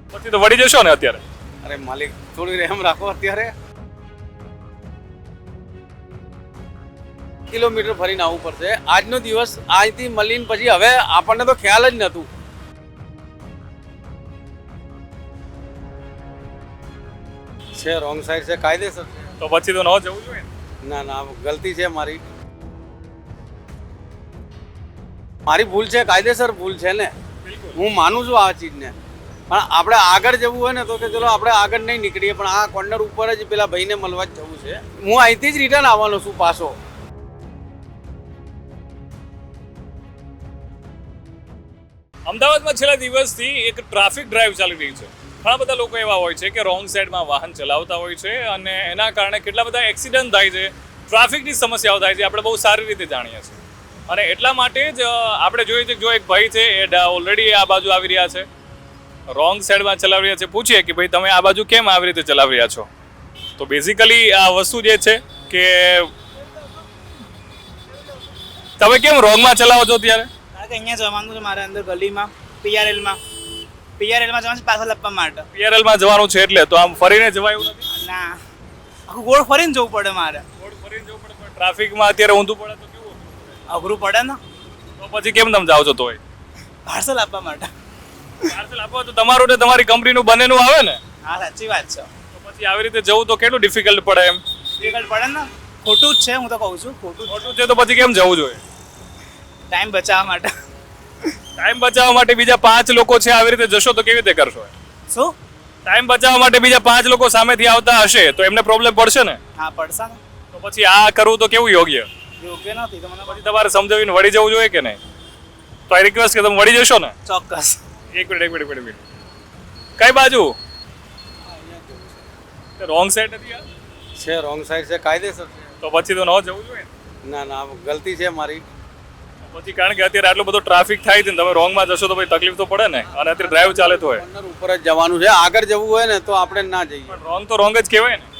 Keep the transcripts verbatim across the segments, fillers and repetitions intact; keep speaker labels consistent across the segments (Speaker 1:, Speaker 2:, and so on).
Speaker 1: પછી તો વળી જશો ને અત્યારે?
Speaker 2: અરે માલિક થોડી રહેમ રાખો. અત્યારે કિલોમીટર ફરીને આવવું પડશે. આજનો દિવસ આજથી મળીને પછી હવે આપણને તો ખ્યાલ જ નહોતું. છે રોંગ સાઈડ છે, કાયદેસર છે.
Speaker 1: તો પછી તો ન જવું જોઈએ ને?
Speaker 2: ના ના ગલતી છે મારી મારી ભૂલ છે, કાયદેસર ભૂલ છે ને. હું માનું છું આ ચીજને, પણ આપણે આગળ જવું હોય ને તો કે ચલો આપણે આગળ નહીં નીકળીએ, પણ આ કોર્નર ઉપર જ પેલા ભાઈને મળવા જ જવું છે. હું અહીંથી જ રિટર્ન આવવાનો છું પાછો.
Speaker 1: અમદાવાદમાં છેલ્લા દિવસથી એક ટ્રાફિક ડ્રાઈવ ચાલી રહી છે. ઘણા બધા લોકો એવા હોય છે કે રોંગ સાઈડમાં વાહન ચલાવતા હોય છે અને એના કારણે કેટલા બધા એક્સિડન્ટ થાય છે, ટ્રાફિકની સમસ્યાઓ થાય છે. આપણે બહુ સારી રીતે જાણીએ છીએ અને એટલા માટે જ આપણે જોઈએ છે કે જો એક ભાઈ છે એ ઓલરેડી આ બાજુ આવી રહ્યા છે, રોંગ સાઈડમાં ચલાવી રહ્યા છે. પૂછીએ કે ભાઈ તમે આ બાજુ કેમ આવી રીતે ચલાવી રહ્યા છો? તો બેઝિકલી આ વસ્તુ જે છે કે તમે કેમ રોંગમાં ચલાવો છો ત્યારે?
Speaker 3: કારણ કે અહીંયા જવાનું છે મારે, અંદર ગલીમાં પીઆરએલમાં પીઆરએલમાં જવાનું છે પાછળ આપવા માટે.
Speaker 1: પીઆરએલમાં જવાનું છે એટલે તો આમ ફરીને જવાય એવું નથી?
Speaker 3: ના, આખું ગોળ ફરીને જવું પડે મારે.
Speaker 1: ગોળ ફરીને જવું પડે, પણ ટ્રાફિકમાં અત્યારે ઊંધું પડે તો કેવું?
Speaker 3: અઘરું પડે ને.
Speaker 1: તો પછી કેમ તમે જાઓ છો? તોય
Speaker 3: પાર્સલ આપવા માટે.
Speaker 1: પાર્સલ આપો તો તમારું ને તમારી કંપનીનું બંનેનું આવે ને?
Speaker 3: હા સાચી વાત છે.
Speaker 1: તો પછી આવી રીતે જવું તો કેટલું ડિફિકલ્ટ પડે એમ?
Speaker 3: ડિફિકલ્ટ પડે ને, ખોટું જ છે. હું તો કહું છું ખોટું જ.
Speaker 1: ખોટું છે તો પછી કેમ જવું જોઈએ?
Speaker 3: ટાઈમ બચાવવા માટે.
Speaker 1: ટાઈમ બચાવવા માટે બીજા પાંચ લોકો છે, આવી રીતે જશો તો કેવી રીતે કરશો?
Speaker 3: શું?
Speaker 1: ટાઈમ બચાવવા માટે બીજા પાંચ લોકો સામેથી આવતા હશે તો એમને પ્રોબ્લેમ પડશે ને?
Speaker 3: હા પડશે ને.
Speaker 1: તો પછી આ કરવું તો કેવું યોગ્ય?
Speaker 3: યોગ્ય નથી. તો મને
Speaker 1: પછી તમારે સમજાવીને વળી જવું જોઈએ કે નહીં? તો આઈ રિક્વેસ્ટ કે તમે વળી જશો ને?
Speaker 3: ચોક્કસ.
Speaker 1: એક મિનિટ એક મિનિટ એક મિનિટ કઈ બાજુ? રોંગ સાઈડ નથી આ?
Speaker 2: છે રોંગ સાઈડ છે, કાયદેસર છે.
Speaker 1: તો પછી તો ન જવું જોઈએ ને?
Speaker 2: ના ના ગલતી છે મારી.
Speaker 1: પછી કારણ કે અત્યારે આટલો બધો ટ્રાફિક થાય છે ને, તમે રોંગમાં જશો તો પછી તકલીફ તો પડે ને. અને અત્યારે ડ્રાઈવ ચાલે તો હોય.
Speaker 2: કોર્નર ઉપર જ જવાનું છે. આગળ જવું હોય ને તો આપણે ના જઈએ.
Speaker 1: પણ રોંગ તો રોંગ જ કહેવાય ને.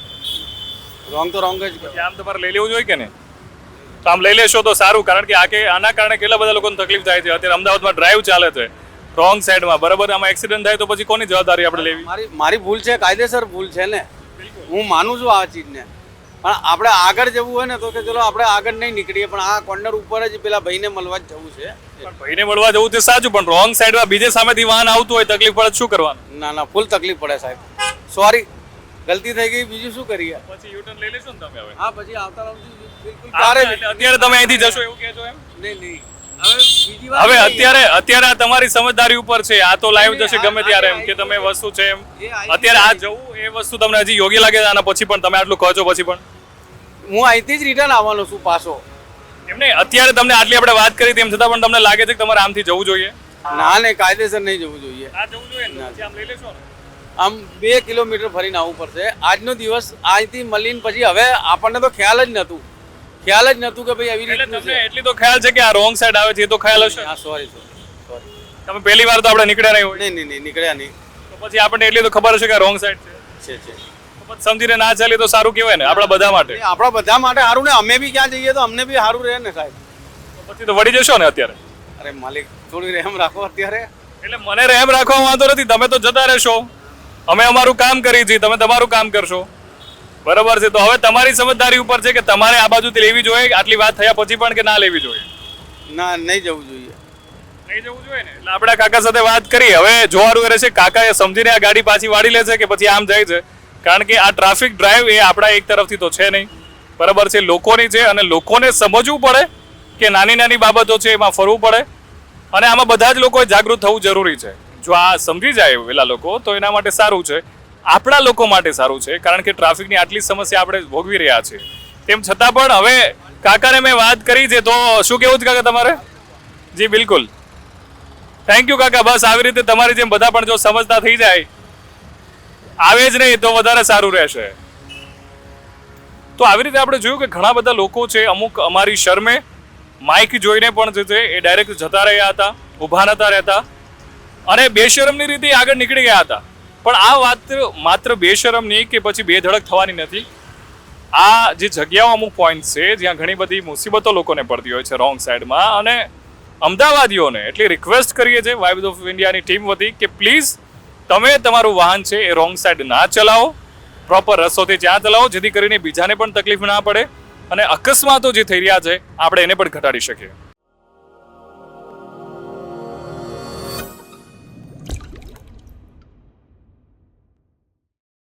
Speaker 2: રોંગ તો રોંગ જ
Speaker 1: પછી આમ તમારે લઈ લેવું જોઈએ કે નહીં? તો આમ લઈ લેશો તો સારું, કારણ કે આ કે આના કારણે કેટલા બધા લોકોને તકલીફ થાય છે. અત્યારે અમદાવાદમાં ડ્રાઈવ ચાલે છે રોંગ સાઈડમાં, બરાબર? આમાં એક્સિડન્ટ થાય તો પછી કોની જવાબદારી આપણે લેવી?
Speaker 2: મારી મારી ભૂલ છે, કાયદેસર ભૂલ છે ને. હું માનું છું આ ચીજને, પણ આપણે આગળ જવું હોય ને તો કે ચલો આપણે આગળ નહીં નીકળીએ, પણ આ કોર્નર ઉપર જ પેલા ભાઈને મળવા જ જવું છે.
Speaker 1: પણ ભાઈને મળવા જવું તે સાચું, પણ રોંગ સાઈડમાં બીજે સામેથી વાહન આવતું હોય, તકલીફ પડે શું કરવાનું?
Speaker 2: ના ના ફૂલ તકલીફ પડે સાહેબ. સોરી, ગલતી થઈ ગઈ, બીજું શું કરીએ?
Speaker 1: પછી યુ ટર્ન લઈ લેશો ને તમે હવે?
Speaker 2: હા પછી આવતા રહું બિલકુલ.
Speaker 1: ત્યારે અત્યારે તમે અહીંથી જશો એવું કહેજો એમ?
Speaker 2: નહીં નહીં હવે બીજી વાર
Speaker 1: હવે અત્યારે અત્યારે આ તમારી સમજદારી ઉપર છે. આ તો લાઈવ જશે ગમે ત્યારે એમ કે તમે વસ્તુ છે એમ. અત્યારે આ જવું એ વસ્તુ તમને હજી યોગ્ય લાગે આના પછી પણ તમે આટલું કહો છો પછી પણ?
Speaker 2: હું અહીંથી જ રિટર્ન આવવાનો છું પાછો.
Speaker 1: એમ નહીં, અત્યારે તમને આટલી આપણે વાત કરી તેમ છતાં પણ તમને લાગે છે કે તમારે આમથી જવું જોઈએ?
Speaker 2: ના નહીં, કાયદેસર નહીં જવું જોઈએ.
Speaker 1: આ જવું જોઈએ ને, પછી આમ લઈ લેશો ને?
Speaker 2: આમ બે કિલોમીટર ફરીને આવવું પડશે. આજનો દિવસ આજથી મળીને પછી હવે આપણને તો ખ્યાલ જ નહોતું. ખ્યાલ જ નહોતું કે ભાઈ આવી
Speaker 1: એટલે
Speaker 2: રીતે
Speaker 1: તમને એટલી તો ખ્યાલ છે કે આ રોંગ સાઈડ આવે છે એ તો ખ્યાલ હશે?
Speaker 2: હા સોરી સોરી સોરી
Speaker 1: તમે પહેલી વાર તો આપણે નીકળ્યા નહીં હોય,
Speaker 2: નહીં નહીં નહીં નીકળ્યા નહીં.
Speaker 1: તો પછી આપણને એટલી તો ખબર હશે કે રોંગ સાઈડ છે.
Speaker 2: છે છે
Speaker 1: તો પછી સમજીને ના ચાલે તો સારું કહેવાય ને આપણા બધા માટે.
Speaker 2: એ આપણા બધા માટે સારું ને. અમે બી ક્યાં જઈએ તો અમને બી સારું રહે ને સાહેબ.
Speaker 1: તો પછી તો વળી જશો ને અત્યારે?
Speaker 2: અરે માલિક થોડી રહેમ રાખો. અત્યારે
Speaker 1: એટલે મને રહેમ રાખવા વાંધો નથી, તમે તો જતા રહેશો, અમે અમારું કામ કરી છીએ, તમે તમારું કામ કરશો, બરાબર છે? તો હવે તમારી સમજદારી ઉપર છે કે તમારે આ બાજુથી લેવી જોઈએ આટલી વાત થયા પછી પણ કે ના લેવી જોઈએ?
Speaker 2: ના નહીં જવું જોઈએ.
Speaker 1: નહીં જવું જોઈએ ને. એટલે આપણા કાકા સાથે વાત કરી, હવે જોવાનું રહેશે કાકાએ સમજીને આ ગાડી પાછી વાળી લે છે કે પછી આમ જાય છે. કારણ કે આ ટ્રાફિક ડ્રાઈવ એ આપણા એક તરફથી તો છે નહીં, બરાબર છે? લોકોની છે અને લોકોને સમજવું પડે કે નાની નાની બાબતો છે એમાં ફરવું પડે અને આમાં બધા જ લોકોએ જાગૃત થવું જરૂરી છે. જો આ સમજી જાય પેલા લોકો તો એના માટે સારું છે, આપણા લોકો માટે સારું છે. કારણ કે ટ્રાફિકની આટલી સમસ્યા આપણે ભોગવી રહ્યા છીએ, તેમ છતાં પણ હવે કાકાને મેં વાત કરી છે. તો શું કેવું છે કાકા તમારે? જી બિલકુલ, થેન્ક યુ કાકા. બસ આવી રીતે તમારી જેમ બધા પણ જો સમજતા થઈ જાય, આવે જ નહીં તો વધારે સારું રહેશે. તો આવી રીતે આપણે જોયું કે ઘણા બધા લોકો છે, અમુક અમારી શરમે માઇક જોઈને પણ જે છે એ ડાયરેક્ટ જતા રહ્યા હતા, ઊભા નતા રહેતા અને બેશરમની રીતે આગળ નીકળી ગયા હતા. પણ આ વાત માત્ર બેશરમની કે પછી બેધડક થવાની નથી. આ જે જગ્યાઓ અમુક પોઈન્ટ છે જ્યાં ઘણી બધી મુસીબતો લોકોને પડતી હોય છે રોંગ સાઈડમાં, અને અમદાવાદીઓને એટલી રિક્વેસ્ટ કરીએ છીએ વાઇબ્સ ઓફ ઇન્ડિયાની ટીમ વતી કે પ્લીઝ તમે તમારું વાહન છે એ રોંગ સાઈડ ના ચલાવો, પ્રોપર રસ્તોથી જ્યાં ચલાવો, જેથી કરીને બીજાને પણ તકલીફ ના પડે અને અકસ્માતો જે થઈ રહ્યા છે આપણે એને પણ ઘટાડી શકીએ.